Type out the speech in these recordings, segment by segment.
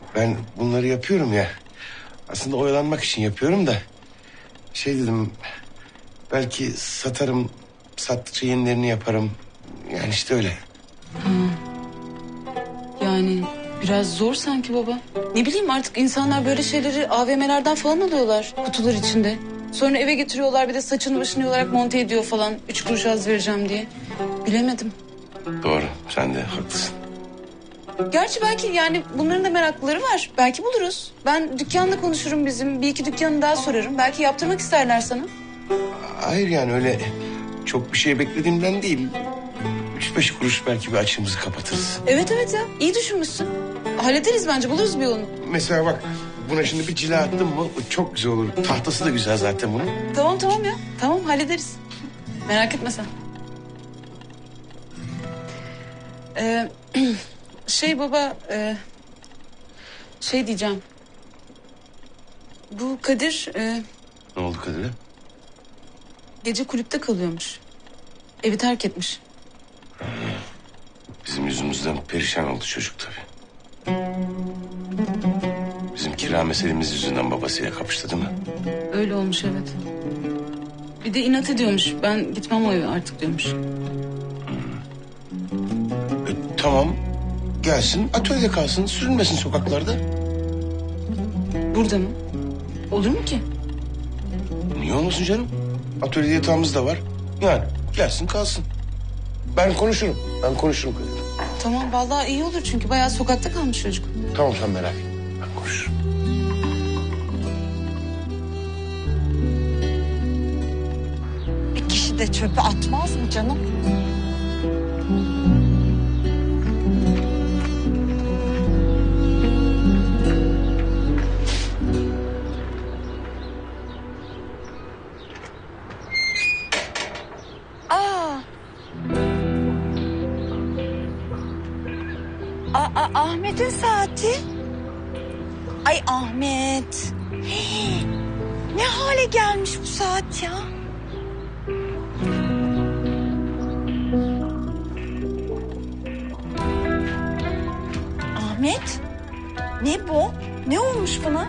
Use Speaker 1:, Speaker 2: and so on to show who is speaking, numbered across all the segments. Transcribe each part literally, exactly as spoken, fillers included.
Speaker 1: Ben bunları yapıyorum ya. Aslında oyalanmak için yapıyorum da. Şey dedim, belki satarım, sattıkça yenilerini yaparım. Yani işte öyle.
Speaker 2: Ha. Yani biraz zor sanki baba. Ne bileyim, artık insanlar böyle şeyleri A V M'lerden falan alıyorlar kutular içinde. Sonra eve getiriyorlar, bir de saçını başını yolarak monte ediyor falan. Üç kuruş az vereceğim diye. Bilemedim.
Speaker 1: Doğru, sen de haklısın.
Speaker 2: Gerçi belki yani bunların da meraklıları var. Belki buluruz. Ben dükkanla konuşurum bizim. Bir iki dükkanı daha sorarım. Belki yaptırmak isterler sana.
Speaker 1: Hayır yani öyle çok bir şey beklediğimden değil. Üç beş kuruş belki bir açığımızı kapatırız.
Speaker 2: Evet evet ya, iyi düşünmüşsün. Hallederiz bence, buluruz bir yolunu.
Speaker 1: Mesela bak, buna şimdi bir cila attım mı çok güzel olur. Tahtası da güzel zaten bunun.
Speaker 2: Tamam tamam ya. Tamam, hallederiz. Merak etme sen. Ee, şey baba, e, şey diyeceğim. Bu Kadir e,
Speaker 1: Ne oldu Kadir'e?
Speaker 2: gece kulüpte kalıyormuş. Evi terk etmiş.
Speaker 1: Bizim yüzümüzden perişan oldu çocuk tabii. Bizim kira meselemiz yüzünden babasıyla kapıştı değil mi?
Speaker 2: Öyle olmuş, evet. Bir de inat ediyormuş. Ben gitmem o eve artık diyormuş.
Speaker 1: E, tamam, gelsin atölyede kalsın, sürünmesin sokaklarda.
Speaker 2: Burada mı? Olur mu ki?
Speaker 1: Niye olmasın canım? Atölyede yatağımız da var. Yani gelsin kalsın. Ben konuşurum, ben konuşurum Kadir.
Speaker 2: Tamam, vallahi iyi olur çünkü bayağı sokakta kalmış çocuk.
Speaker 1: Tamam, sen merak etme, ben konuşurum.
Speaker 3: Bir kişi de çöpe atmaz mı canım? Aa. Aa, Ahmet'in saati. Ay Ahmet. Hii, ne hale gelmiş bu saat ya? Ahmet, ne bu? Ne olmuş buna?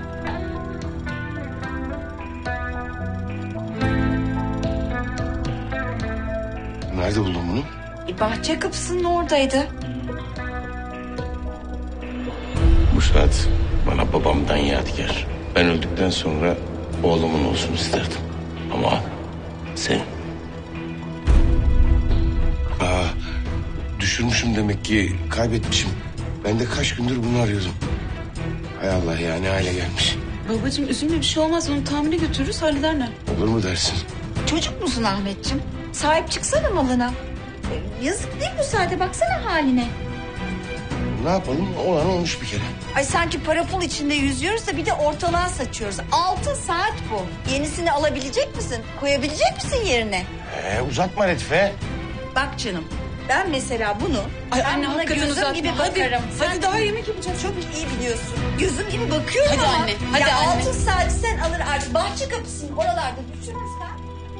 Speaker 1: Nerede buldun bunu?
Speaker 3: E, bahçe kapısının oradaydı.
Speaker 1: Bu saat bana babamdan yadigar. Ben öldükten sonra oğlumun olsun isterdim. Ama senin. Aa, düşürmüşüm demek ki, kaybetmişim. Ben de kaç gündür bunu arıyordum. Hay Allah ya, ne hale gelmiş.
Speaker 2: Babacığım üzülme, bir şey olmaz. Onu tamire götürürüz, hallederler.
Speaker 1: Olur mu dersin?
Speaker 3: Çocuk musun Ahmetciğim? Sahip çıksana malına. E, yazık değil bu saate, baksana haline.
Speaker 1: Ne yapalım? Olan olmuş bir kere.
Speaker 3: Ay sanki para pul içinde yüzüyoruz da bir de ortalığa saçıyoruz. Altın saat bu. Yenisini alabilecek misin? Koyabilecek misin yerine?
Speaker 1: Ee, uzatma Latife.
Speaker 3: Bak canım, ben mesela bunu...
Speaker 2: Ay
Speaker 3: ben
Speaker 2: anne,
Speaker 3: buna
Speaker 2: hakikaten
Speaker 3: gözüm
Speaker 2: uzatma.
Speaker 3: gibi
Speaker 2: Hadi,
Speaker 3: bakarım.
Speaker 2: hadi
Speaker 3: Sen
Speaker 2: daha yemek yapacağız.
Speaker 3: çok iyi biliyorsun. Gözüm gibi bakıyorum
Speaker 2: Hadi
Speaker 3: ama...
Speaker 2: anne, hadi
Speaker 3: ya
Speaker 2: anne.
Speaker 3: altın saati sen alır artık. Bahçe kapısının oralarda düşürmezsen...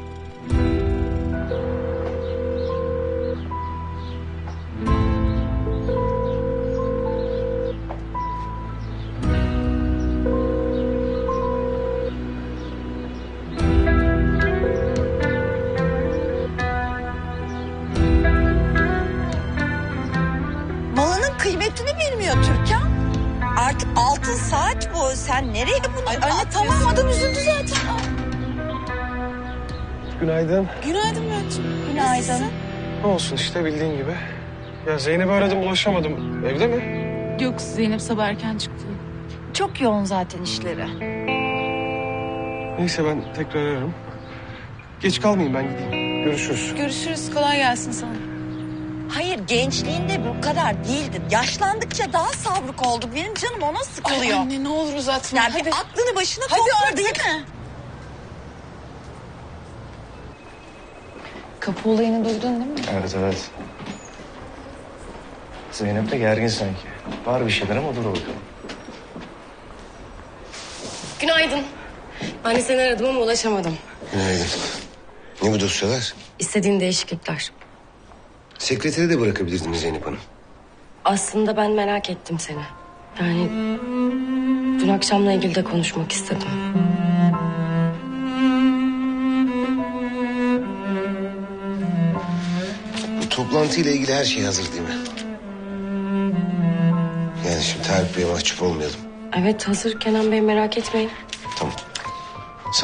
Speaker 3: Malının kıymetini bilmiyor Türkan. Artık altın saat bu. Sen nereye bunu
Speaker 2: Ay anne,
Speaker 3: atıyorsun?
Speaker 2: tamam, adam üzüldü zaten.
Speaker 4: Günaydın.
Speaker 2: Günaydın Murat'cığım.
Speaker 3: Günaydın.
Speaker 4: Ne olsun işte bildiğin gibi. Ya Zeynep'i aradım ulaşamadım. Evde mi?
Speaker 2: Yok, Zeynep sabah erken çıktı.
Speaker 3: Çok yoğun zaten işleri.
Speaker 4: Neyse ben tekrar ararım. Geç kalmayayım, ben gideyim. Görüşürüz.
Speaker 2: Görüşürüz, kolay gelsin sana.
Speaker 3: Hayır, gençliğinde bu kadar değildin. Yaşlandıkça daha savruk olduk. Benim canım ona sıkılıyor.
Speaker 2: Ay anne, ne olur uzatma.
Speaker 3: Yani
Speaker 2: hadi.
Speaker 3: bir aklını başına
Speaker 2: Hadi
Speaker 3: topla
Speaker 2: artık.
Speaker 3: değil mi?
Speaker 2: Kapı olayını duydun değil mi?
Speaker 4: Evet evet. Zeynep de gergin sanki. Var bir şeyler ama dur bakalım.
Speaker 5: Günaydın. Ben de seni aradım ama ulaşamadım.
Speaker 1: Günaydın. Ne bu dosyalar?
Speaker 5: İstediğin değişiklikler.
Speaker 1: Sekreteri de bırakabilirdiniz Zeynep Hanım.
Speaker 5: Aslında ben merak ettim seni. Yani dün akşamla ilgili de konuşmak istedim.
Speaker 1: Bu toplantıyla ilgili her şey hazır değil mi? Yani şimdi Tarık Bey'e mahcup olmayalım.
Speaker 5: Evet hazır Kenan Bey, merak etmeyin.
Speaker 1: Tamam. Sağ ol.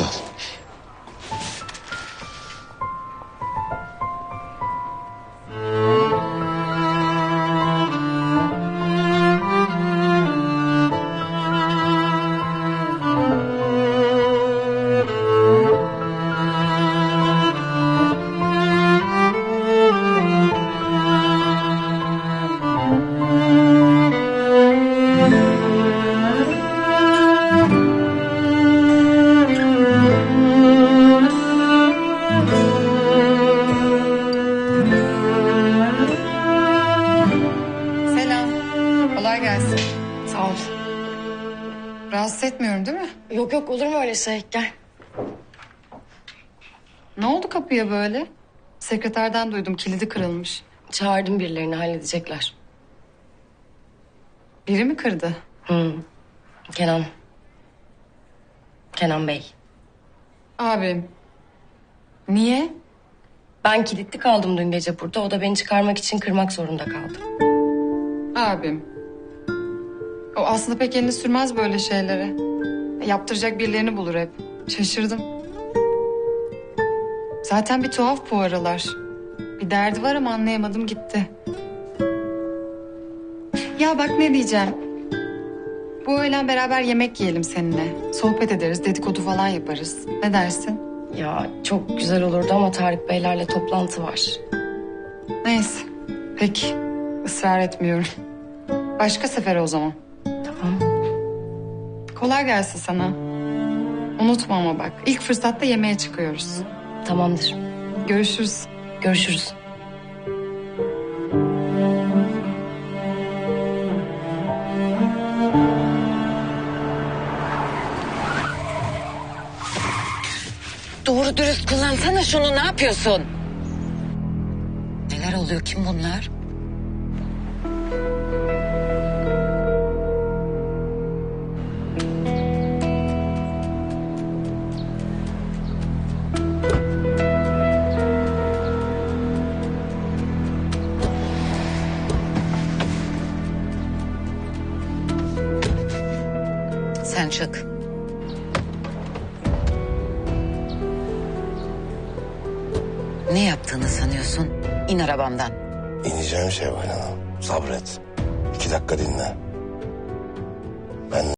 Speaker 6: Selam. Kolay gelsin.
Speaker 5: Sağ ol.
Speaker 6: Rahatsız etmiyorum değil mi?
Speaker 5: Yok yok, olur mu öyle şey? Gel.
Speaker 6: Ne oldu kapıya böyle? Sekreterden duydum kilidi kırılmış.
Speaker 5: Çağırdım birilerini, halledecekler.
Speaker 6: Biri mi kırdı?
Speaker 5: Hı. Kenan. Kenan Bey.
Speaker 6: Abim. Niye?
Speaker 5: Ben kilitli kaldım dün gece burada. O da beni çıkarmak için kırmak zorunda kaldı.
Speaker 6: Abim. O aslında pek elini sürmez böyle şeylere. Yaptıracak birilerini bulur hep. Şaşırdım. Zaten bir tuhaf bu aralar. Bir derdi var ama anlayamadım gitti. Ya bak ne diyeceğim. Bu öğlen beraber yemek yiyelim seninle. Sohbet ederiz, dedikodu falan yaparız. Ne dersin?
Speaker 5: Ya çok güzel olurdu ama Tarık Beylerle toplantı var.
Speaker 6: Neyse. Peki. Israr etmiyorum. Başka sefere o zaman.
Speaker 5: Tamam.
Speaker 6: Kolay gelsin sana. Unutma ama bak. İlk fırsatta yemeğe çıkıyoruz.
Speaker 5: Tamamdır.
Speaker 6: Görüşürüz.
Speaker 5: Görüşürüz.
Speaker 7: Doğru dürüst kullansana şunu, ne yapıyorsun? Neler oluyor, kim bunlar? Sen çık. Ne yaptığını sanıyorsun? İn arabamdan.
Speaker 1: İneceğim Şevval Hanım. Sabret. İki dakika dinle. Ben